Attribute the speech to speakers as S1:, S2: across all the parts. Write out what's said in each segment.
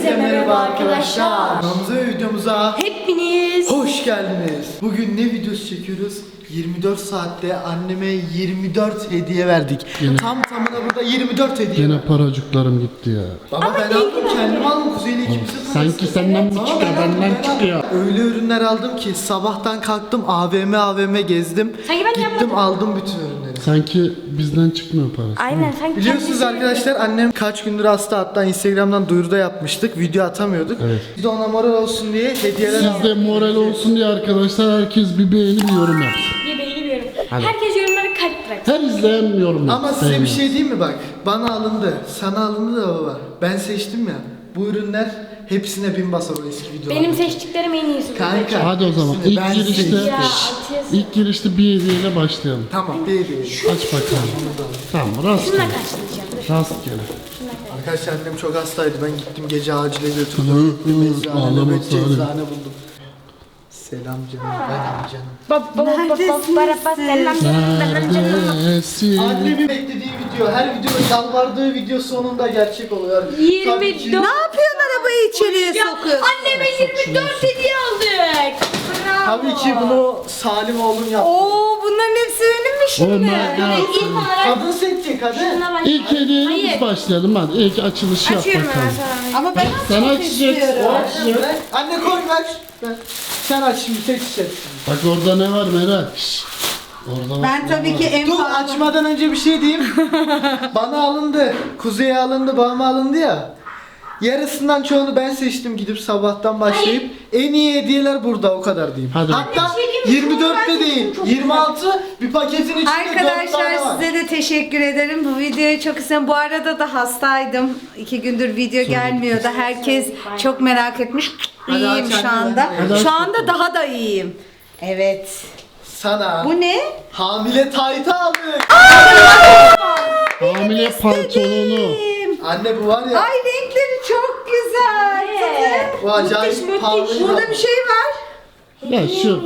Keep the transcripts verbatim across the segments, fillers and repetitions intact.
S1: Herkese merhaba arkadaşlar.
S2: Kanalımıza ve videomuza
S1: Hepiniz
S2: hoş geldiniz. Bugün ne videosu çekiyoruz? yirmi dört saatte anneme yirmi dört hediye verdik.
S3: Yine-
S2: Tam tamına burada yirmi dört hediye
S3: Yine
S2: var.
S3: paracıklarım gitti ya.
S2: Baba ben aldım, kendim aldım. Kuzey'le ikimize parası.
S3: Sanki senden mi
S2: Baba,
S3: çıkıyor,
S2: ben aldım,
S3: benden
S2: ben aldım.
S3: çıkıyor.
S2: Öyle ürünler aldım ki sabahtan kalktım A V M A V M gezdim.
S1: Sanki ben
S2: Gittim
S1: yapmadım.
S2: aldım bütün ürünleri.
S3: Sanki bizden çıkmıyor parası.
S1: Aynen sanki
S2: Biliyorsunuz
S1: kendisi-
S2: arkadaşlar, annem kaç gündür hasta, hatta Instagram'dan duyuruda yapmıştık, video atamıyorduk.
S3: Evet.
S2: Biz de ona moral olsun diye hediyeler
S3: Siz de moral olsun diye arkadaşlar herkes bir beğeni bir yorum yapsın.
S1: Bir beğeni bir yorum.
S3: Hadi.
S1: Herkes yorumlara kalp bıraksın.
S3: Her izleyen yorum yapsın.
S2: Ama size bir şey diyeyim mi bak? Bana alındı, sana alındı da baba. Ben seçtim ya. Bu ürünler hepsine bin basar o eski videolar.
S1: Benim seçtiklerim en iyisi.
S2: Kanka.
S3: Hadi o zaman
S2: hepsini
S3: ilk
S2: ben
S3: girişte
S2: seçtim.
S1: Ya, atıyorsun.
S3: ilk girişte bir hediyeyle başlayalım.
S2: Tamam, bir bir.
S3: Aç bakalım. Tamam
S1: Şununla
S3: rastgele.
S1: karşılayacağım. Dur.
S3: Rastgele.
S2: Arkadaşlar annem çok hastaydı. Ben gittim gece acile götürdüm.
S3: Hı,
S2: Gittim
S3: hı,
S2: eczane,
S3: ağlama
S2: nöbetçi
S3: Salim.
S2: eczane buldum. Selam canım, benim canım.
S1: Bab bab bab bab barabas selam canım canım.
S3: Neredesin?
S2: Annemin beklediği video, her videoda yalvardığı video sonunda gerçek oluyor.
S1: yirmi
S2: Tabii ki-
S1: dört.
S4: Ne yapıyorsun, arabayı içeriye
S1: Ya
S4: sokuyorsun?
S1: anneme yirmi dört hediye aldık. Bravo.
S2: Tabii ki bunu Salim oğlum yaptı.
S4: Oo, bunların hepsi benim mi şimdi?
S3: Onlar ne
S1: İlk
S3: yapsın?
S1: olarak
S2: Kadın seçecek hadi.
S1: şununla başlayalım.
S3: İlk hediyeyle biz
S1: Hayır.
S3: başlayalım hadi. İlk açılışı yap
S1: Açıyorum
S3: bakalım.
S1: ben sana.
S4: Ama ben
S3: Sen
S4: çok
S3: açacaksın.
S4: istiyorum.
S2: Ver. Anne koy ver. Ver. Sen aç şimdi, seçeceksin.
S3: Bak orada ne var Meral? Şşş. Orada
S4: Ben
S3: bak,
S4: tabii
S3: ne
S4: ki
S3: var?
S4: en
S2: Dur,
S4: pahalı.
S2: açmadan önce bir şey diyeyim. Bana alındı, Kuzey'e alındı, babama alındı ya. Yarısından çoğunu ben seçtim, gidip sabahtan başlayıp en iyi hediyeler burada, o kadar diyeyim.
S3: Hadi
S2: Hatta
S1: bakalım. Bir şey diyeyim mi?
S2: yirmi dörtte
S1: Çok
S2: değil,
S1: çok
S2: yirmi altı bir paketin içinde dört tane
S4: Arkadaşlar
S2: var.
S4: size de teşekkür ederim. Bu videoyu çok istedim. Bu arada da hastaydım. İki gündür video gelmiyordu. Herkes çok merak etmiş.
S2: Hadi
S4: İyiyim
S2: aç
S4: şu
S2: anne,
S4: anda.
S2: hadi
S3: aç
S4: Şu anda
S3: bakalım.
S4: daha da iyiyim. Evet.
S2: Sana
S4: Bu ne?
S2: hamile taytı aldık.
S3: Hamile pantolonu.
S2: Anne bu var ya,
S4: Ay, renkleri çok güzel.
S1: Evet.
S2: bu acayip
S1: müthiş.
S2: pahalı.
S4: Burada bir şey var.
S3: Ya şu.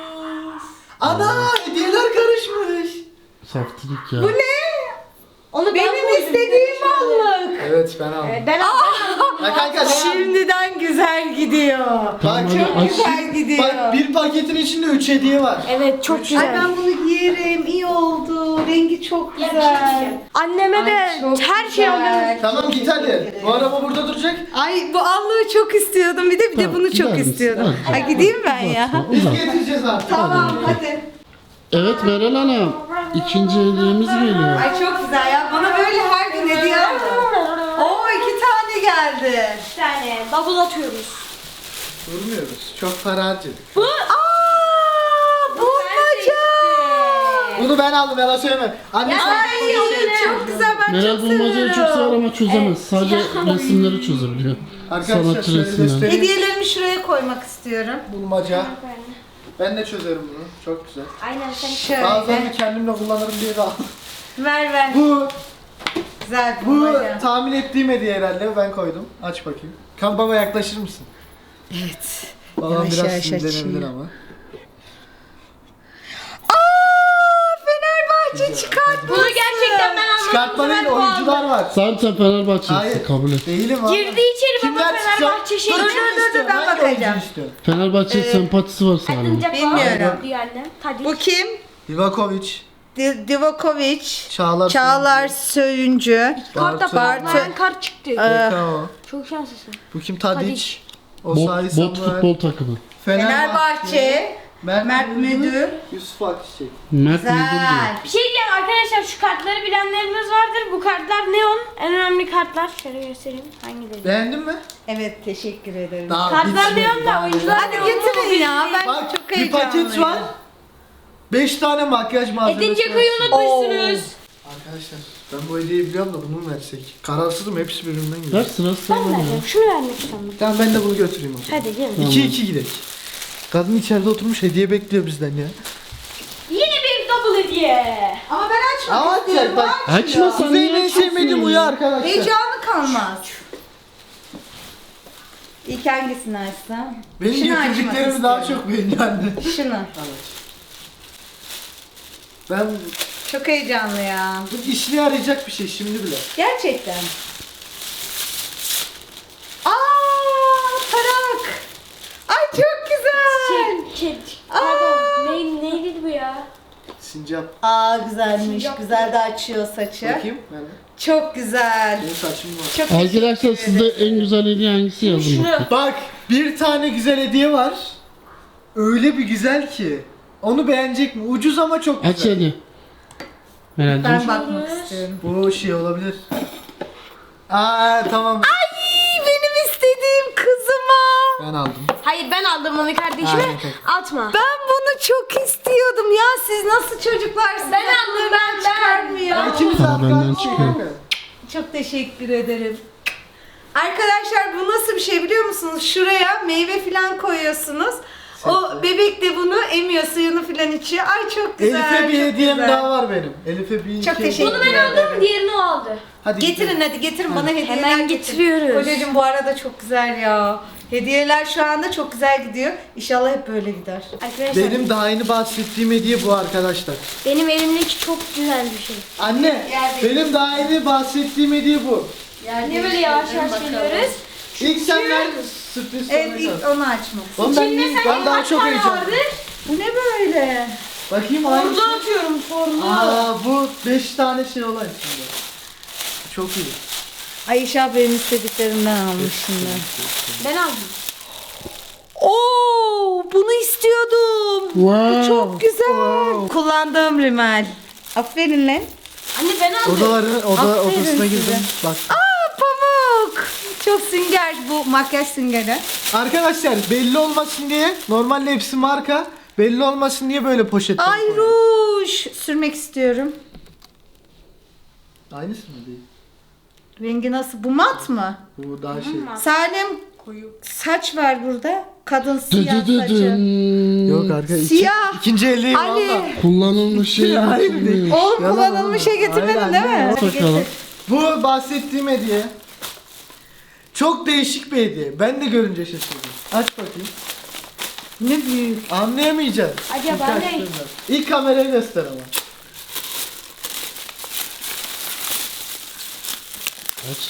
S2: Ana, hediyeler karışmış.
S3: Saftirik ya.
S4: Bu ne?
S1: Onu ben
S4: Benim
S1: koydum.
S4: istediğim allık.
S2: Evet, ben aldım.
S1: Evet, ben aldım.
S2: Ya kanka sen-
S4: Şimdiden güzel gidiyor.
S2: Bak,
S3: Tamam,
S4: Çok
S3: hadi aç.
S4: güzel gidiyor.
S2: bak, bir paketin içinde üç hediye var.
S1: Evet çok
S4: Ay,
S1: güzel.
S4: ben bunu giyerim. İyi oldu. Rengi çok
S1: Ya bir şey
S4: güzel.
S1: diyeceğim. Anneme de
S4: Ay, çok
S1: her şey
S4: güzel.
S1: alıyorum.
S2: Tamam, git hadi. Bu araba burada duracak.
S4: Ay, bu allığı çok istiyordum. Bir de bir de
S3: Tamam,
S4: bunu
S3: gider
S4: çok
S3: misin?
S4: istiyordum.
S3: Hadi.
S4: Ay, gideyim ben ya.
S3: Uzatma,
S2: Biz
S3: uzatma.
S2: getireceğiz artık.
S4: Tamam, hadi.
S3: Evet Meral Hanım. İkinci hediyemiz geliyor.
S4: Ay, çok güzel ya. Bana böyle her gün hediye alın. Oo, iki tane geldi.
S1: Bir tane double atıyoruz.
S2: Durmuyoruz. Çok para harcadık.
S1: Bu
S4: Aa, bulmaca.
S2: Bunu ben aldım, yalan söyleme. Anne sen
S4: Ay, çok güzel. Ben
S3: Meral
S4: çok
S3: bulmacayı çok sever
S4: seviyorum.
S3: ama çözemez. Sadece resimleri çözebiliyor.
S2: Arkadaşlar
S3: Sanatçı
S2: şöyle
S3: resimleri.
S2: göstereyim.
S4: Hediyelerimi şuraya koymak istiyorum.
S2: Bulmaca. Ben de çözerim bunu. Çok güzel.
S1: Aynen sen.
S4: Şöyle.
S2: Bazen kendimle kullanırım diye de aldım.
S4: Ver ver.
S2: Bu,
S4: Güzel
S2: bu
S4: bulmaca.
S2: tahmin ettiğim hediye herhalde. Ben koydum. Aç bakayım. Kan baba, yaklaşır mısın?
S4: Evet.
S2: Babam
S4: Yavaş
S2: biraz
S4: yavaş
S2: sinirlenebilir
S4: açayım.
S2: ama.
S4: Aa, Fenerbahçe çıkartması.
S1: Bunu gerçekten ben almadım.
S2: Çıkartma değil, oyuncular var.
S3: Sen sen Fenerbahçelisin
S2: Hayır.
S3: kabul et.
S2: Değilim abi.
S1: Girdi içeri baba
S2: Kimler çıksa-
S1: Fenerbahçe şey.
S2: Dur,
S4: Dur,
S2: kim
S4: dur, dur,
S2: istiyor?
S4: ben
S2: Hangi oyuncuyu
S4: bakacağım.
S2: istiyor?
S3: Fenerbahçe sempatisi var Salim'in.
S4: Bilmiyorum.
S1: Diyor annem. Hadi.
S4: Bu kim?
S2: Livakovic,
S4: Di- Divokovic.
S2: Çağlar,
S4: Çağlar Söyüncü.
S1: Kartta
S2: Bartu.
S1: parmayan kart çıktı.
S2: Bekao.
S1: Çok şanslısın.
S2: Bu kim? Tadic.
S1: Tadic.
S2: Osayi
S3: Bot, bot
S2: Samuel.
S3: futbol takımı.
S4: Fenerbahçe. Mert Müdür.
S2: Yusuf Akçiçek.
S3: Mert Müdür diyor.
S4: Güzel.
S1: Bir şey diyeceğim arkadaşlar, şu kartları bilenleriniz vardır. Bu kartlar neon. En önemli kartlar. Şöyle göstereyim. Hangileri?
S2: Beğendin mi?
S4: Evet, teşekkür ederim.
S2: Daha
S1: Kartlar
S2: bitmedi,
S1: neon da
S2: daha
S1: oyuncular.
S4: Hadi getirin ya. Ben
S2: Bak,
S4: çok
S2: bir
S4: heyecanlıyım.
S2: paket var. beş tane makyaj malzemesi
S1: Edin Dzeko'yu
S2: var.
S1: unutmuşsunuz.
S2: Arkadaşlar, ben bu hediyeyi biliyorum da bunu mu versek? Kararsızım, hepsi birbirinden
S3: Ver
S2: gidiyor.
S3: sırası
S1: Ben
S3: sana ya.
S1: vereceğim. Şunu vermek istiyorum.
S2: Tamam, ben de bunu götüreyim o zaman.
S1: Hadi gelin.
S3: Tamam.
S2: iki iki gidelim. Kadın içeride oturmuş hediye bekliyor bizden ya.
S1: Yine bir double hediye.
S4: Ama ben açmak
S2: Ama
S4: istiyorum.
S2: bak,
S4: Aç
S3: Açma
S4: ya.
S3: sen
S2: Kuzey'in en
S3: niye
S2: sevmediğim
S3: açıyorsun
S2: uyu
S3: ya?
S2: arkadaşlar.
S4: Heyecanı kalmaz. İlk hangisini açsam?
S2: Benim
S4: Şunu açmak
S2: getirdiklerimi daha
S4: istiyorum.
S2: çok beğeniyor anne.
S4: Şunu.
S2: Ben
S4: Çok heyecanlı ya.
S2: bu işine yarayacak bir şey şimdi bile.
S4: Gerçekten. Aa,
S2: Sincap.
S4: Aa güzelmiş. Güzel de açıyor saçı.
S2: Bakayım. Nerede?
S4: Çok güzel.
S2: Benim saçım var.
S4: Çok
S3: Arkadaşlar
S4: teşekkür
S3: sizde
S4: ederim.
S3: en güzel hediye hangisi yazın
S1: Şunu.
S3: bakayım.
S2: Bak bir tane güzel hediye var. Öyle bir güzel ki. Onu beğenecek mi? Ucuz ama çok
S3: Aç
S2: güzel.
S3: hadi. Herhalde.
S4: Ben bakmak istiyorum.
S2: Bu şey olabilir. Aa tamam.
S4: Ay benim istediğim kızıma.
S2: Ben aldım.
S1: Hayır ben aldım onu kardeşime.
S2: Aynen, peki.
S1: Atma.
S4: Ben bunu çok istiyordum ya. Siz nasıl çocuklarsınız?
S1: Ben aldım, ben, ben.
S4: Çıkarmıyor.
S2: Ya ikimiz
S3: Aa,
S2: arka
S3: benden
S2: arkaya
S3: çıkıyor.
S2: kanka.
S4: Çok teşekkür ederim. Arkadaşlar bu nasıl bir şey biliyor musunuz? Şuraya meyve falan koyuyorsunuz. O
S2: Süper.
S4: bebek de bunu emiyor, suyunu falan içiyor. Ay çok güzel.
S2: Elif'e bir
S4: çok
S2: hediyem
S4: güzel.
S2: daha var benim. Elif'e bir
S4: Çok
S2: şey-
S4: teşekkür
S1: Bunu ben
S4: ederim.
S1: aldım, diğerini o aldı.
S2: Hadi
S4: Getirin
S2: gidelim.
S4: hadi getirin bana hediyeler
S1: Hemen
S4: getirin.
S1: getiriyoruz.
S4: Kocacığım bu arada çok güzel ya. Hediyeler şu anda çok güzel gidiyor. İnşallah hep böyle gider.
S1: Arkadaşlar
S2: Benim
S1: benim,
S2: daha yeni bahsettiğim hediye bu arkadaşlar.
S1: benim elimdeki çok güzel bir şey.
S2: Anne,
S4: Gel
S2: benim daha yeni bahsettiğim hediye bu.
S4: Yani
S1: Niye böyle yavaş yavaş
S4: bakalım.
S1: geliyoruz?
S2: İlk sen ver sürpriz
S4: Evet
S2: sonra
S4: ilk
S2: kal.
S4: onu açmak.
S2: Oğlum ben,
S1: İçinde sen
S2: ben daha
S1: kaç
S2: çok
S1: tane
S2: heyecanlıyım.
S1: vardır?
S4: Bu ne böyle?
S2: Bakayım aynı
S1: Forlu atıyorum, forlu.
S2: Aa bu beş tane şey olan içinde. Çok iyi.
S4: Ayşe benim istediklerimden almış şimdi.
S1: Ben aldım.
S4: Oo, bunu istiyordum.
S3: Wow.
S4: Bu çok güzel. Kullandığım rimel. Aferin lan.
S1: Anne ben aldım.
S2: Odaların oda
S4: Aferin
S2: odasına
S4: size.
S2: girdim. Bak.
S4: Aa pamuk. Çok sünger bu makyaj süngeri.
S2: Arkadaşlar belli olmasın diye normalde hepsi marka. Belli olmasın diye böyle poşet.
S4: Ay ruj sürmek istiyorum.
S2: Aynısı mı değil?
S4: Rengi nasıl? Bu mat mı?
S2: Bu daha şey.
S4: Salim saç var burada. Kadın
S3: Dı
S4: siyah
S3: dı dı
S4: saçı.
S3: dın.
S2: Yok arka iki,
S4: Siyah.
S2: ikinci elliği
S4: Ali.
S2: valla.
S3: Kullanılmış şey
S2: Hayır
S3: getirmiyor.
S2: değil.
S4: Oğlum
S2: Yalan
S4: kullanılmış
S2: oğlum.
S4: şey getirmedin
S2: Hayır,
S4: değil
S2: anne,
S4: mi?
S2: yok.
S4: Hadi
S3: Bakalım.
S4: getir.
S2: Bu bahsettiğim hediye. Çok değişik bir hediye. Ben de görünce şaşırdım. Aç bakayım.
S4: Ne büyük.
S2: Anlayamayacaksın.
S1: Hadi
S2: İlk
S1: ben de-
S2: açtığında. İlk kamerayı göster ama.
S3: Aç.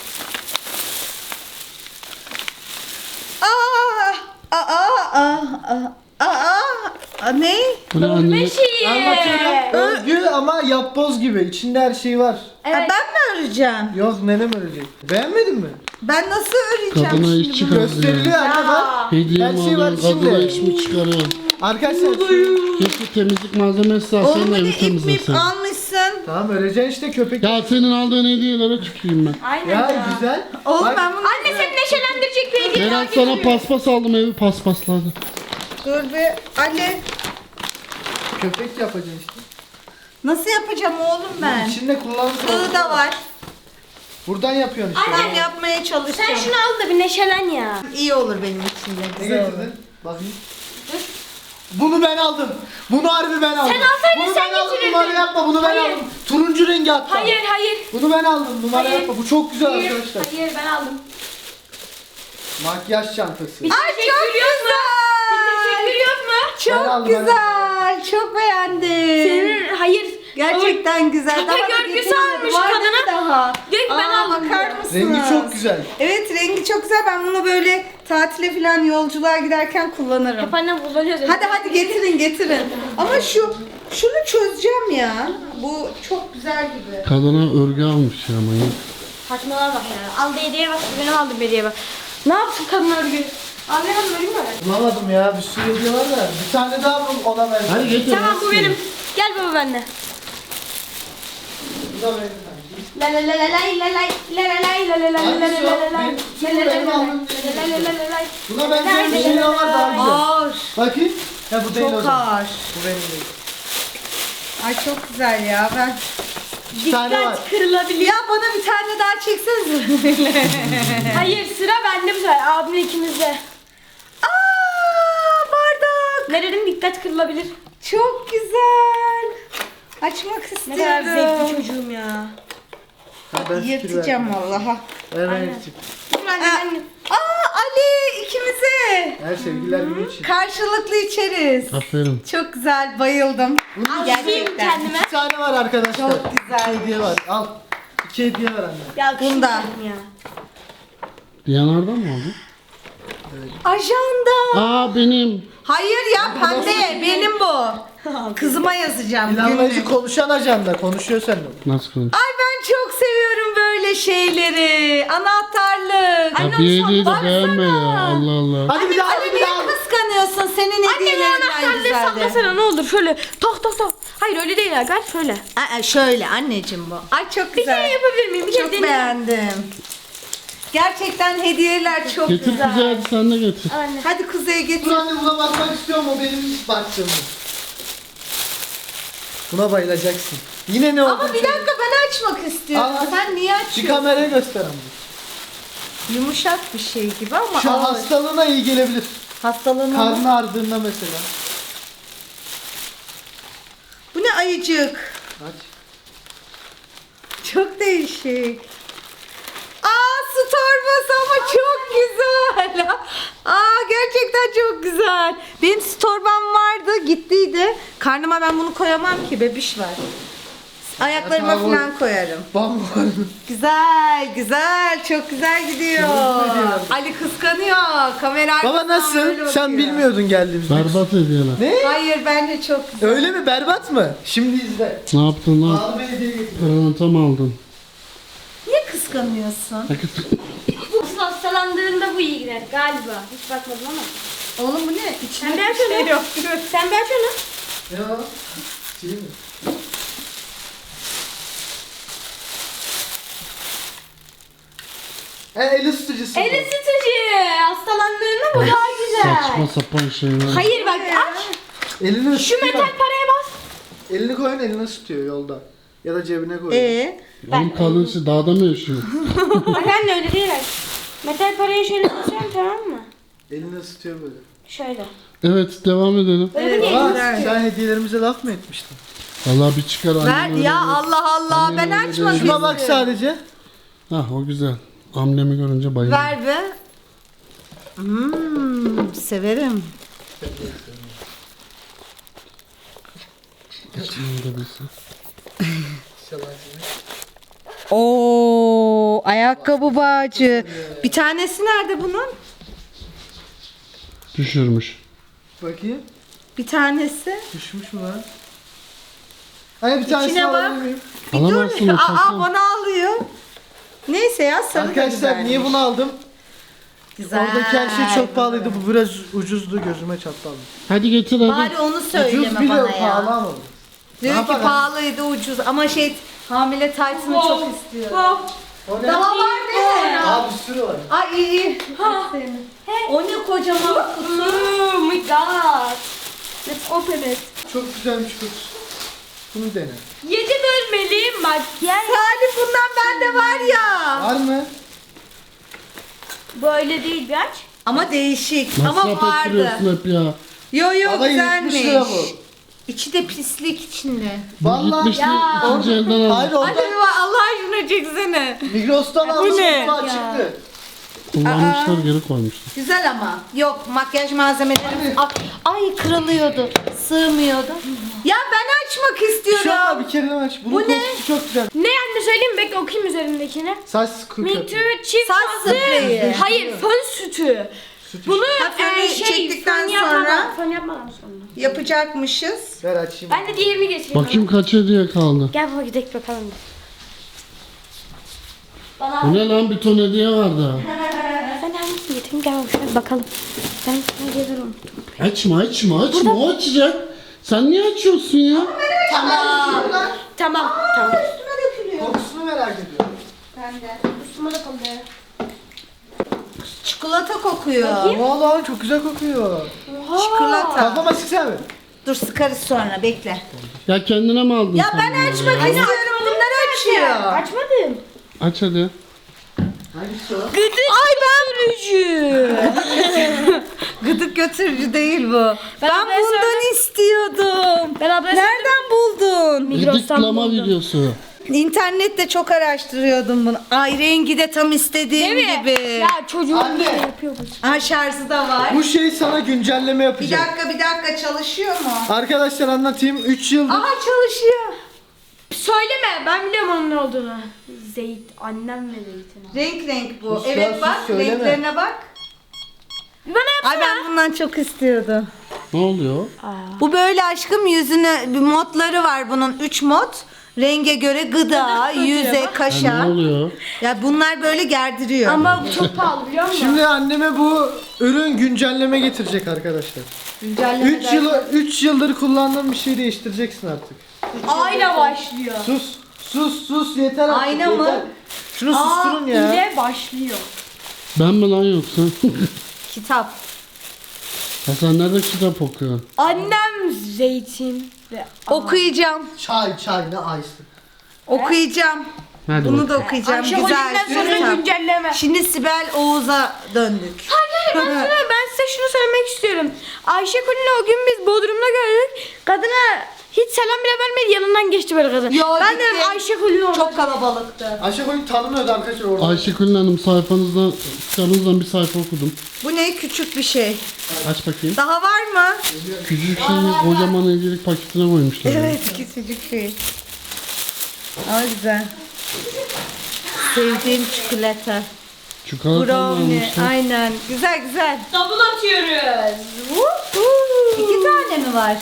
S4: Aa, aa, aa, aa, aa, aa, ne?
S3: Bu ne anne?
S1: Örme şeyi.
S2: Anlatıyorum. Örgü ama yapboz gibi. İçinde her şey var.
S1: Evet.
S4: Aa, ben mi öreceğim?
S2: Yok nenem örecek. Beğenmedin mi?
S4: Ben nasıl öreceğim
S3: Kadına
S4: şimdi
S3: iş
S4: bunu?
S3: çıkardı
S2: Gösteriliyor
S3: ya.
S2: anne bak.
S3: Hediye
S2: Her
S3: mi
S2: şey var
S3: alıyorsun? Kadına
S2: içinde.
S3: iş mi çıkarıyorsun?
S2: Arkadaşlar.
S3: Keşke temizlik malzemesi alsaydın
S4: Oğlum
S3: da
S4: hadi
S3: evi
S4: ip mip
S3: temizleseydin.
S4: almışsın.
S2: Tamam öreceksin işte köpek.
S3: Ya senin aldığın hediyelere tüküreyim ben.
S1: Aynen
S2: Ya
S1: ya.
S2: güzel.
S4: Oğlum
S2: Bak,
S4: ben bunu...
S1: Anne seni neşelendirecek bir hediye daha
S3: Berat sana
S1: getiriyorum.
S3: paspas aldım evi paspasladı.
S4: Dur bir. Ali.
S2: köpek yapacaksın işte.
S4: Nasıl yapacağım oğlum ben?
S2: İçinde kullanırsın.
S4: Iğı da var.
S2: Buradan yapıyorsun işte.
S4: Ben yapmaya çalışacağım.
S1: Sen şunu al da bir neşelen ya.
S4: İyi olur benim için de.
S2: Ne
S4: Güzel olur.
S2: getirdin? Bakayım. Bunu ben aldım. Bunu harbi ben aldım.
S1: Sen alsaydın
S2: bunu
S1: sen
S2: ben aldım.
S1: getirirdin.
S2: Numara yapma. Bunu ben
S1: Hayır.
S2: aldım. Turuncu rengi hatta.
S1: Hayır hayır.
S2: Bunu ben aldım. Numara
S1: Hayır.
S2: yapma. Bu çok güzel
S1: Hayır,
S2: arkadaşlar.
S1: hayır ben aldım.
S2: Makyaj çantası.
S1: Bir
S4: Ay
S1: teşekkür
S4: çok
S1: yok mu?
S4: güzel.
S1: Bir teşekkür yok mu?
S2: Ben
S4: Çok
S2: aldım, ben
S4: güzel. Çok beğendim.
S1: Senin hayır.
S4: Gerçekten güzel.
S1: Kaka
S4: Daha da
S1: görgüsü
S4: getirmedim.
S1: almış
S4: Var
S1: kadına.
S4: değil mi daha?
S1: Diyor ki ben
S4: Aa,
S1: aldım
S4: bakar
S1: diyor.
S4: mısınız?
S2: Rengi çok güzel.
S4: Evet rengi çok güzel. Ben bunu böyle tatile falan yolculuğa giderken kullanırım.
S1: Hep annem kullanıyor zaten.
S4: Hadi hadi getirin getirin. Ama şu şunu çözeceğim ya. Bu çok güzel gibi.
S3: Kadına örgü almış ya manyak.
S1: Saçmalığa bak ya. Aldı hediye bak. Benim aldım hediye bak. Ne yapsın kadın örgü? Al ben aldım vereyim mi?
S2: Bulamadım ya. Bir sürü hediye var da. Bir tane daha bul ona ver.
S3: Hadi getir.
S1: Tamam bu benim. Gel baba benimle.
S2: Bu da benim.
S1: La la la la lay la lay la la lay la la la la la la la la
S2: Benim-
S1: la la la
S2: benim
S1: la
S2: aldım.
S1: la la la la la.
S2: Buna benzer bir şey daha var daha güzel.
S4: Ağır.
S2: Bakayım. Ha bu değil o
S4: Çok
S2: zaman.
S4: ağır.
S2: Bu benim değil.
S4: Ay çok güzel ya. Ben
S2: İki tane var.
S1: Dikkat kırılabilir.
S4: ya bana bir tane daha çeksenize böyle.
S1: Hayır sıra bende bu sefer. Abimle ikimizde.
S4: Aa bardak.
S1: Ne dedim dikkat kırılabilir.
S4: Çok güzel. Açmak
S1: Ne
S4: istiyorum.
S1: kadar zevkli çocuğum ya.
S2: Ha, ben fikir
S4: Yırtacağım
S2: verdim.
S4: vallahi.
S2: Ver ver
S1: Aynen.
S2: yırtayım.
S1: Dur anne
S4: Aa,
S1: ben
S4: aa Ali ikimize.
S2: Her sevgililer günü için.
S4: Karşılıklı içeriz.
S3: Aferin.
S4: Çok güzel bayıldım.
S2: Bunun
S4: Gerçekten.
S1: kendime.
S2: İki tane var arkadaşlar.
S4: Çok güzel.
S2: İki hediye var. Al. İki hediye var anne.
S1: Ya
S4: Bunda.
S1: ya.
S3: Diyanar'dan mı aldın?
S4: Ajanda.
S3: Aa benim.
S4: Hayır ya pembe benim bu. Kızıma yazacağım.
S2: İnanmacı
S4: günlük.
S2: konuşan ajanda konuşuyor seninle.
S3: Nasıl konuş?
S4: Ay ben çok seviyorum böyle şeyleri. Anahtarlık.
S3: Ya bir hediyeyi de beğenme ya. Allah Allah.
S2: Hadi bir daha hadi
S4: Ali
S2: bir
S4: niye
S2: daha.
S4: kıskanıyorsun? Senin
S1: Anne ben
S4: hediyelerinden
S1: anahtarlığı
S4: güzeldi.
S1: sallasana ne olur şöyle tok tok tok. Hayır öyle değil Hakan şöyle.
S4: Aa, şöyle anneciğim bu. Ay çok
S1: Bir
S4: güzel.
S1: kere yapabilir miyim? Bir kere
S4: Çok
S1: deneyeyim.
S4: beğendim. Gerçekten hediyeler çok
S3: Getir
S4: güzel.
S3: Kuzey, hadi sen de getir.
S1: Anne.
S4: Hadi Kuzey'e getir.
S2: Dur anne buna bakmak istiyorum o benim ilk baktığım. Buna bayılacaksın. Yine ne oldu?
S4: Ama bir dakika ben açmak istiyorum.
S2: Aa,
S4: Sen niye
S2: Bir
S4: açıyorsun?
S2: kameraya göster ama.
S4: Yumuşak bir şey gibi ama
S2: Şu
S4: ağır.
S2: hastalığına iyi gelebilir.
S4: Hastalığına mı?
S2: Karnı ağrıdığında mesela.
S4: Bu ne ayıcık?
S2: Aç.
S4: Çok değişik. Aa su torbası ama çok güzel. Aa gerçekten çok güzel. Benim su torbam vardı gittiydi. Karnıma ben bunu koyamam ki bebiş var. Ayaklarıma
S2: Ya, tamam.
S4: falan koyarım.
S2: Bam
S4: Güzel güzel çok güzel gidiyor.
S2: Çok güzel.
S4: Ali kıskanıyor. Kamera
S2: Baba
S4: arkasından
S2: nasıl?
S4: böyle
S2: Sen
S4: bakıyor.
S2: bilmiyordun geldiğimizde.
S3: Berbat hediyeler.
S2: Ne?
S4: Hayır bence çok güzel.
S2: Öyle mi? Berbat mı? Şimdi izle.
S3: Ne yaptın lan?
S2: Abi hediye getirdim.
S3: Pırlanta mı aldın?
S4: Niye kıskanıyorsun?
S3: Hakikaten.
S1: Asıl hastalandığında bu iyi gider galiba. Hiç bakmadım ama.
S4: Oğlum bu ne? İçinde
S1: Sen bir aç
S4: bir şey
S1: onu.
S4: yok.
S1: Sen bir aç onu.
S2: Ya. Şey mi? E, el ısıtıcısı.
S1: El
S2: bu.
S1: ısıtıcı. Hastalandığında bu daha güzel.
S3: Saçma sapan şeyler.
S1: Hayır bak aç.
S2: Elini
S1: Şu
S2: ısıtıyor.
S1: metal paraya bas.
S2: Elini koyun elini ısıtıyor yolda. Ya da cebine koyun.
S4: Ee?
S3: Oğlum kadın şey dağda mı yaşıyor?
S1: Bak anne öyle değil bak. Metal parayı şöyle basıyorum tamam mı?
S2: Elini ısıtıyor böyle.
S1: Şöyle.
S3: Evet devam edelim.
S1: Böyle
S4: Evet.
S1: değil.
S2: Baba
S4: güzel.
S2: sen hediyelerimize laf mı etmiştin?
S3: Vallahi bir çıkar annem
S4: Ver
S3: öyle
S4: ya
S3: değil.
S4: Allah Allah
S3: Annem
S4: ben
S3: öyle
S4: açmak
S3: değil.
S2: Şuna bak
S4: istiyorum.
S2: sadece.
S3: Hah o güzel. Amblemi görünce bayıldım.
S4: Ver be. Hmm, severim.
S3: İçinde bilsin.
S4: Oo, ayakkabı bağcı. Bir tanesi nerede bunun?
S3: Düşürmüş.
S2: Bakayım.
S4: Bir tanesi.
S2: Düşmüş mü lan? Hani bir tanesini
S4: İçine bak.
S2: alabilir miyim?
S4: Bir
S3: Alamazsın
S4: dur.
S3: o
S4: Aa,
S3: takma.
S4: bana alıyor. Neyse ya sarı da
S2: Arkadaşlar
S4: güzelmiş.
S2: niye bunu aldım?
S4: Güzel.
S2: Oradaki her şey çok pahalıydı. Bu biraz ucuzdu. Gözüme çarptı aldım.
S3: Hadi getir hadi.
S4: Bari onu
S2: Ucuz
S4: söyleme
S2: bile
S4: bana
S2: pahalı
S4: ya.
S2: ama.
S4: Diyor
S2: Ne
S4: ki
S2: yapalım?
S4: pahalıydı ucuz ama şey hamile taytını çok istiyor.
S2: O ne?
S4: Daha var değil mi?
S2: Aa bir sürü var.
S4: Ay iyi iyi. O ne kocaman kutu.
S1: Oh my god. Let's open it.
S2: Çok güzelmiş kutusu. Bunu dene.
S1: Yedi bölmeli makyaj.
S4: Salih bundan bende var ya.
S2: Var mı?
S1: Böyle değil bir aç.
S4: Ama değişik.
S3: Masraf
S4: ama vardı.
S3: ettiriyorsun hep ya.
S4: Yo yo
S2: Baba yetmiş
S4: güzelmiş.
S2: lira bu.
S4: İçi de pislik içinde.
S3: Bu
S2: Vallahi
S3: gitmişti
S1: ya.
S3: ikinci elden
S2: Hayır
S3: aldım.
S4: Hadi
S2: orada
S4: baba Allah aşkına çeksene.
S2: Migros'tan aldım.
S4: ne?
S2: kutu çıktı.
S3: Kullanmışlar geri koymuşlar.
S4: Güzel ama. Yok makyaj malzemeleri. Ay, ay kırılıyordu. Sığmıyordu. Ya ben açmak
S2: Şu an
S4: istiyorum.
S2: bir kere aç. Bunun
S4: Bu ne?
S2: kokusu çok güzel.
S1: Ne anne söyleyeyim mi? Bekle okuyayım üzerindekini.
S2: Saç
S1: Me
S2: kokuyor.
S1: too çift
S4: Saç
S1: şahsı.
S4: spreyi.
S1: Hayır fön sütü.
S2: Süt
S1: Bunu
S4: Ha, fönü
S1: e, şey
S4: çektikten
S1: fön yapmadan,
S4: sonra-
S1: fön yapmadan sonra.
S4: Yapacakmışız.
S2: Ver açayım.
S1: Ben de diğerini getireyim.
S3: Bakayım kaç hediye kaldı.
S1: Gel baba gidelim bakalım. Bana
S3: Bu ne lan bir ton hediye vardı.
S1: ben hangisini getireyim gel baba şöyle bakalım. Ben ne gelirim.
S3: Açma açma açma o açacak. Sen niye açıyorsun ya?
S1: Tamam. Tamam. Tamam.
S2: Kokusunu merak ediyorum.
S4: Ben de.
S1: Üstüme de kaldı.
S4: Çikolata kokuyor.
S2: Vallahi çok güzel kokuyor.
S4: Çikolata.
S2: Kafama sıksana bir.
S4: Dur sıkarız sonra bekle.
S3: Ya kendine mi aldın
S4: Ya
S3: sen
S4: ben
S3: bunu
S4: açmak
S3: ya?
S4: istiyorum. Bunlar açıyor.
S1: Açmadım.
S3: Aç hadi.
S2: Hangisi o?
S1: Ay ben rücü.
S4: Gıdık götürücü değil bu. Ben,
S1: haber
S4: bundan
S1: söyledim.
S4: istiyordum.
S1: Ben haber
S4: Nereden buldun?
S1: Migros'tan
S3: Gıdıklama
S1: buldum.
S3: videosu.
S4: İnternette çok araştırıyordum bunu. Ay rengi de tam istediğim
S1: Değil mi?
S4: gibi.
S1: Ya çocuğum
S2: Anne.
S1: bir şey yapıyor bu.
S4: Ha şarjı da var.
S2: Bu şey sana güncelleme
S4: Bir
S2: yapacak.
S4: dakika bir dakika çalışıyor mu?
S2: Arkadaşlar anlatayım. üç yıldır
S4: Aha çalışıyor.
S1: Söyleme ben biliyorum onun ne olduğunu. Zeyt annem ve zeytin.
S4: Renk renk bu.
S2: Sus ya,
S4: Evet
S2: sus,
S4: bak
S2: söyleme.
S4: renklerine bak.
S1: Bana
S4: Ay
S1: yapsana.
S4: ben bundan çok istiyordum.
S3: Ne oluyor?
S4: Bu böyle aşkım yüzüne bir modları var bunun. Üç mod. Renge göre gıda, yüze,
S3: Ya
S4: kaşa.
S3: ne oluyor?
S4: Ya bunlar böyle gerdiriyor.
S1: Ama bu çok pahalı biliyor musun?
S2: Şimdi anneme bu ürün güncelleme getirecek arkadaşlar. üç yıl üç yıldır kullandığım bir şeyi değiştireceksin artık.
S1: Ayna başlıyor.
S2: Sus. Sus sus yeter artık.
S4: Ayna mı?
S2: yeter. Şunu susturun ya.
S1: ile başlıyor.
S3: Ben mi lan yoksa?
S4: Kitap.
S3: Ya sen nerede kitap okuyorsun?
S1: Annem zeytin ve
S4: Okuyacağım.
S2: Çay çay ne ayısı.
S4: Okuyacağım.
S3: Hadi
S4: Bunu da
S3: bakalım.
S4: okuyacağım.
S1: Ayşe
S4: Güzel.
S1: Holding'den sonra
S4: kitap.
S1: güncelleme.
S4: Şimdi Sibel Oğuz'a döndük.
S1: Hayır ben, sana, ben size şunu söylemek istiyorum. Ayşe Kulin'i o gün biz Bodrum'da gördük. Kadına hiç selam bile vermedi, yanından geçti böyle kadın.
S4: Yo,
S1: ben
S4: gitti.
S1: de Ayşe Kulin'i orada.
S4: Çok kalabalıktı.
S2: Ayşe Koyun tanımıyordu arkadaşlar orada.
S3: Ayşegül Hanım sayfanızdan, kitabınızdan bir sayfa okudum.
S4: Bu ne küçük bir şey.
S3: Aç bakayım.
S4: Daha var mı?
S3: Küçücük şeyi kocaman hediyelik paketine koymuşlar. ya.
S4: Evet küçücük şey. Ama güzel. Sevdiğim çikolata.
S3: Çikolata mı
S4: Brownie.
S3: almışlar?
S4: Aynen. Güzel güzel.
S1: Double atıyoruz.
S4: İki tane mi var?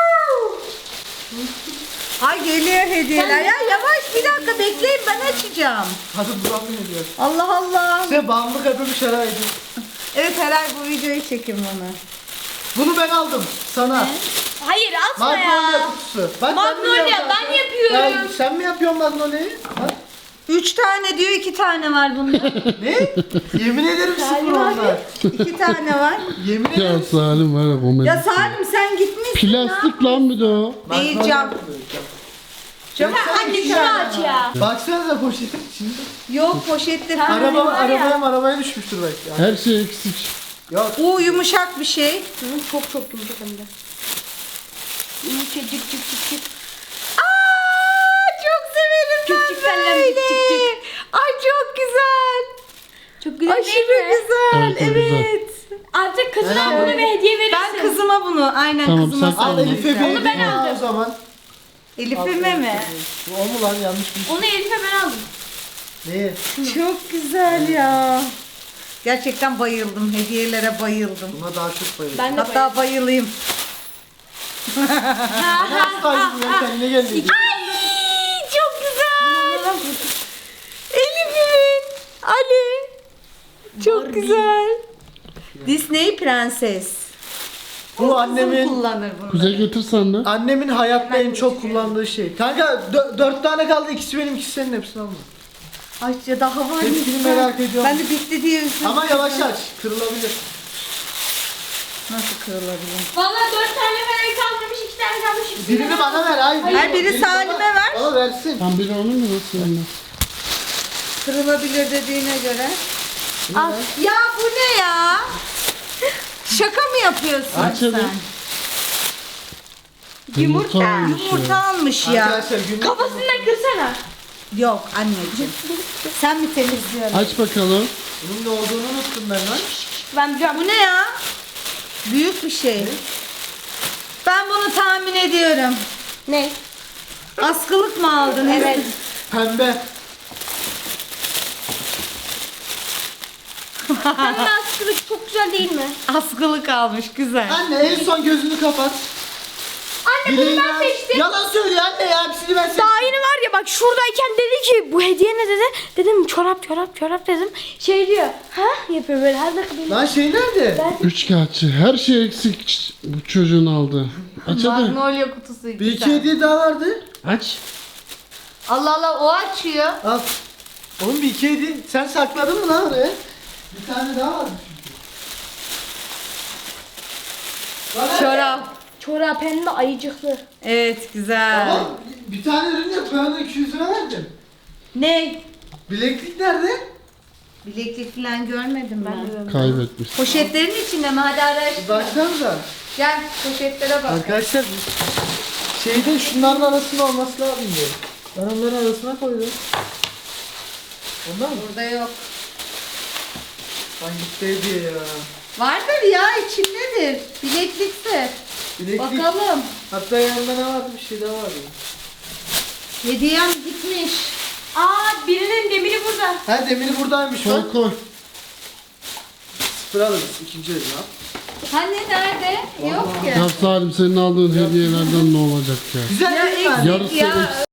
S4: Ay geliyor hediyeler. Ya yavaş bir dakika bekleyin ben açacağım.
S2: Hadi Burak ne diyor?
S4: Allah Allah.
S2: Size bağımlılık yapıyormuş herhalde.
S4: Evet Helal bu videoyu çekin bana.
S2: Bunu ben aldım sana.
S1: Hayır atma
S2: Magnolia
S1: ya.
S2: kutusu. Bak,
S1: Magnolia,
S2: biliyorum
S1: ben
S2: zaten.
S1: yapıyorum.
S2: Ya, sen mi yapıyorsun Magnolia'yı? Bak.
S4: Üç tane diyor iki tane var bunda.
S2: Ne? Yemin ederim sıfır
S1: Salim abi.
S2: onlar.
S4: İki tane var.
S2: Yemin
S3: Ya
S2: ederim.
S3: Salim var ya komedi.
S4: Ya Salim sen gitmişsin.
S3: Plastik lan bir de o.
S4: Değil
S2: Magnolia
S4: cam.
S2: yapıyor, cam.
S4: Cam.
S1: Anne şunu aç ya.
S2: Baksanıza poşetin içinde.
S4: Yok poşette.
S2: Araba,
S1: var ya.
S2: arabaya arabaya düşmüştür belki. Ya.
S3: Her şey eksik.
S2: Yok.
S4: Bu yumuşak bir şey.
S1: Hı, çok çok yumuşak hem de. Yumuşacık cık cık cık.
S4: Aa, çok severim ben
S1: Küçük kalem,
S4: böyle.
S1: küçük küçük.
S4: Ay çok güzel.
S1: Çok güzel değil
S4: Aşırı
S1: mi?
S4: güzel.
S3: Evet, o güzel.
S4: Evet.
S1: Artık kızına
S2: Ben
S1: bunu
S2: aldım.
S1: bir hediye verirsin.
S4: Ben kızıma bunu aynen
S3: Tamam,
S4: kızıma
S3: sen-
S2: Al
S4: söyleyeyim.
S2: Elif'e bir
S1: Onu ben
S2: hediye
S1: aldım.
S2: o zaman.
S4: Elif'ime mi?
S2: O mu lan yanlış bir şey.
S1: Onu Elif'e ben aldım.
S2: Neye?
S4: Çok güzel ya. Gerçekten bayıldım. Hediyelere bayıldım.
S2: Buna daha çok bayıldım.
S1: Ben de
S4: Hatta bayılayım.
S2: Nasıl kaydın ya kendine geldi.
S4: Ay çok güzel. Elif'imin. Ali. Çok
S1: Barbie.
S4: güzel. Disney prenses.
S2: Bu annemin
S4: kullanır bunu.
S3: Kuzey getirsen de.
S2: annemin hayatta en çok kullandığı şey. Kanka dö- dört tane kaldı, ikisi benim, ikisi senin, hepsini alma.
S4: Ay ya daha var.
S2: Hepsini
S4: lütfen.
S2: merak ediyorum.
S4: Ben de bitti diye üzüldüm.
S2: Ama yavaş aç, kırılabilir.
S4: Nasıl kırılabilir?
S1: Valla dört tane falan kalmamış, iki tane kalmış. ikisini
S2: Birini
S1: ben
S2: bana ver, hayır.
S4: Her biri
S2: birini bana-
S4: Salim'e ver.
S2: Bana versin.
S3: Tam biri onun mu nasıl yani?
S4: Kırılabilir dediğine göre.
S1: Al.
S4: Ya bu ne ya? Şaka mı yapıyorsun
S3: Aç
S4: sen?
S3: hadi.
S1: Yumurta.
S3: almış ya.
S4: Yumurta almış ya.
S2: Arkadaşlar günlük...
S1: Kafasından kırsana.
S4: Yok anneciğim. Sen mi temizliyorsun?
S3: Aç bakalım.
S2: Bunun ne olduğunu unuttum ben lan.
S1: Ben biliyorum.
S4: Bu ne ya? Büyük bir şey. Ben bunu tahmin ediyorum.
S1: Ne?
S4: Askılık mı aldın?
S1: Evet.
S2: Pembe.
S1: Pembe askılık çok güzel değil mi?
S4: Askılık almış güzel.
S2: Anne en son gözünü kapat.
S1: Anne bunu
S2: Bileğini
S1: ben
S2: aç.
S1: seçtim.
S2: Yalan söylüyor anne ya, hepsini ben seçtim.
S1: Daha yeni var ya bak şuradayken dedi ki bu hediye ne dedi? Dedim çorap çorap çorap dedim. Şey diyor. Ha yapıyor böyle her dakika benim.
S2: Lan şey nerede?
S3: Üçkağıtçı. Her şey eksik bu çocuğun aldı. Aç hadi.
S4: Magnolia kutusu
S2: Bir iki hediye daha vardı.
S3: Aç.
S4: Allah Allah o açıyor.
S2: Al. Oğlum bir iki hediye. Sen sakladın mı lan oraya? Bir tane daha vardı çünkü. Lan
S4: Çorap.
S1: Çorap hem de ayıcıklı.
S4: Evet güzel.
S2: Ama bir tane ürün yok. Ben ona iki yüz lira verdim.
S4: Ne?
S2: Bileklik nerede?
S4: Bileklik falan görmedim ben.
S3: Kaybetmiş.
S4: Poşetlerin içinde mi? Hadi araştır.
S2: Baksanıza.
S4: Gel poşetlere bak.
S2: Arkadaşlar şeyde şunların arasında olması lazım diyor. Ben onların arasına koydum. Ondan mı?
S4: Burada yok.
S2: Lan gitti hediye ya.
S4: Vardır ya içindedir. Bileklikse.
S2: Bileklik.
S4: Bakalım.
S2: Hatta yanında ne vardı? Bir şey daha vardı.
S4: Hediyem gitmiş.
S1: Aa birinin demiri burada.
S2: Ha demiri buradaymış
S3: Koy
S2: bak.
S3: koy.
S2: sıfır alırız. İkinci el ya.
S4: Hani nerede? Yok ya.
S3: Ya Salim senin aldığın hediyelerden ne olacak ya?
S2: Güzel
S4: Ya
S2: değil mi?
S4: eksik
S3: Yarısı
S4: ya.
S3: eksik.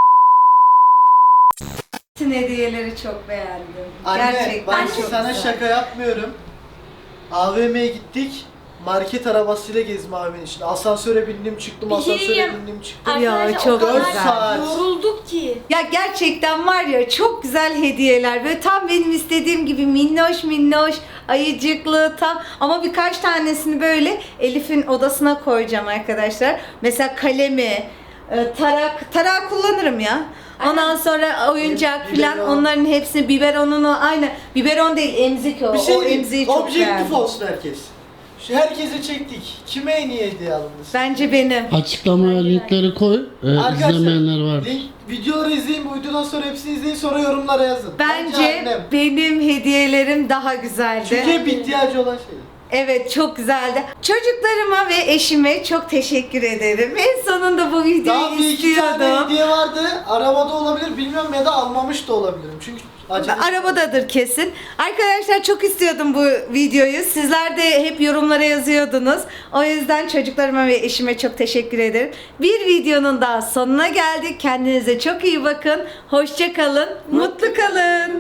S4: Bütün hediyeleri çok beğendim.
S2: Anne
S4: Gerçekten
S2: ben
S4: çok
S2: sana
S4: güzel.
S2: şaka yapmıyorum. A V M'ye gittik. Market arabasıyla gezme A V M'nin içinde. Asansöre bindim çıktım,
S1: Bir şey
S2: asansöre
S1: diyeyim.
S2: bindim çıktım.
S1: Arkadaşlar,
S4: Ya, çok
S1: o kadar
S2: güzel. saat.
S1: yorulduk ki.
S4: Ya gerçekten var ya çok güzel hediyeler. Böyle tam benim istediğim gibi minnoş minnoş, ayıcıklı tam. Ama birkaç tanesini böyle Elif'in odasına koyacağım arkadaşlar. Mesela kalemi, e, tarak, tarak kullanırım ya. Ondan sonra oyuncak
S2: Biberon.
S4: falan onların hepsini biberonunu aynı. Biberon değil emzik o.
S2: Bir şey
S4: o
S2: diyeyim,
S4: emziği çok
S2: objektif
S4: beğendim.
S2: olsun herkes. Şu herkese çektik. Kime en iyi hediye alındı?
S4: Bence benim.
S3: Açıklamaya linkleri koy. Ee, izlemeyenler var.
S2: link, videoları izleyin, bu videodan sonra hepsini izleyin, sonra yorumlara yazın.
S4: Bence
S2: annem.
S4: benim hediyelerim daha güzeldi.
S2: Çünkü hep ihtiyacı olan şey.
S4: Evet çok güzeldi. Çocuklarıma ve eşime çok teşekkür ederim. En sonunda bu videoyu
S2: Daha bir iki tane
S4: istiyordum.
S2: hediye vardı. Arabada olabilir, bilmiyorum, ya da almamış da olabilirim. Çünkü acele.
S4: Arabadadır kesin. Arkadaşlar çok istiyordum bu videoyu. Sizler de hep yorumlara yazıyordunuz. O yüzden çocuklarıma ve eşime çok teşekkür ederim. Bir videonun daha sonuna geldik. Kendinize çok iyi bakın. Hoşça kalın. Mutlu kalın.